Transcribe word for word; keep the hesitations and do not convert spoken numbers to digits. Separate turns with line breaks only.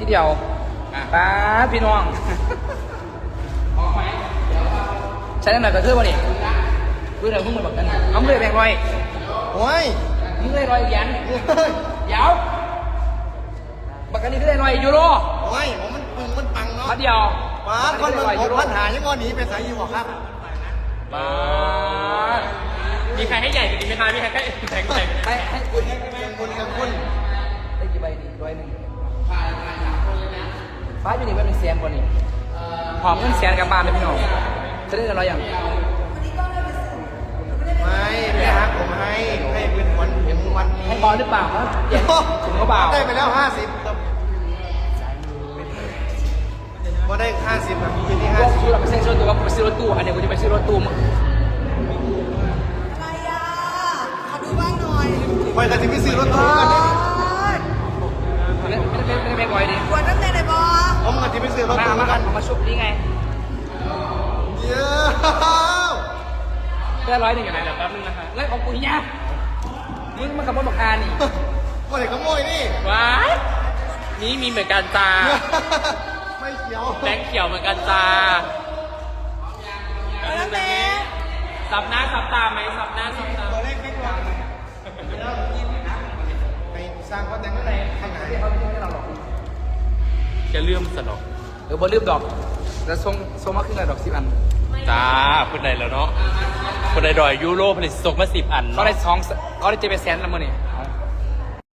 ที่เดียวป้าพี่น้องใช้น้ำหนักกระเทือนวะนี่ดูหน่อยพวกมึงแบบนั้นเอาเลยแบงค์ร้อย
โอ้ย
มึงเลยร้อยยันยาวบักกันนี้ก็ได้ร้อยยูโร
โอ้ยผมมันปึงมันปังเนาะ
พัดเดียว
ป้าคนมันหกพันหายังวันนี้ไปใส่อยู่หรอครับ
ป้า
มีใครให้ใหญ่กว่านี้ไหมคะมีใครให้แข็งใหญ่
ให้ให้คุณให้
คุณกับคุณ
ได้กี่ใบดีร้อยหนึ่งฟ้าอยู่นี่เป็นแสนกว่านี่หอมเงินแสนกับบ้านเลยพี่น้องจะได้อะไรอย่าง
ไม่ไม่ฮักผมให้ให้เป็นวันเห็นวันนี้
ให้บอลหรือเปล่าครับเดี๋ยวถึงเขาเปล่า
ได้ไปแล้วห้าสิบครับก็ได้ห้าสิบแบบปีที่ห้าสิบ
ซื้อเราไปซื้อรถตู้ว่าไปซื้อรถตู้อันนี้กูจะไปซื้อรถตู้มึง
อะไรอ่ะขอดูบ้างหน่อย
ไปกันที่พี่ซื้อรถตู้กัน
ไม่ได้ไม่ได้ไม่ได้ไม่ก่อยดิ
ปวดตั้งแต่ไหนบอ
ผมกันที่พี่ซื้อรถตู้กัน
มาชุบนี่ไง
เยอะ
ได้ร้อยหนึ่งอย่างไรเดี๋ยวแป๊บนึงนะคะแล้วของกูเนี่ยมึงมาขับรถบอกคานี่
คนไหนขโมยนี่
ว้ายนี่มีเหมือนกันจ้า
ไม่เขียว
แบงค์เขียวเหมือนกันจ้า
แล้วแม่
สับหน้าสับตาไหมสับหน้าสับตา
ตัวเลขไม่กว่าไปสร้างเขาแต่งอะไรข้างไหน
จะเลื่อมสนอง
เออบอลลืมดอกแล้วทรงทรงมาขึ้นเลยดอกสิบอัน
จ้าคนใดแล้วเนาะคนใดดอยยูโรผลิตส่งมาสิบอัน
เขาได้สองเขาได้เจ็ดแสนแล้วมั้งนี่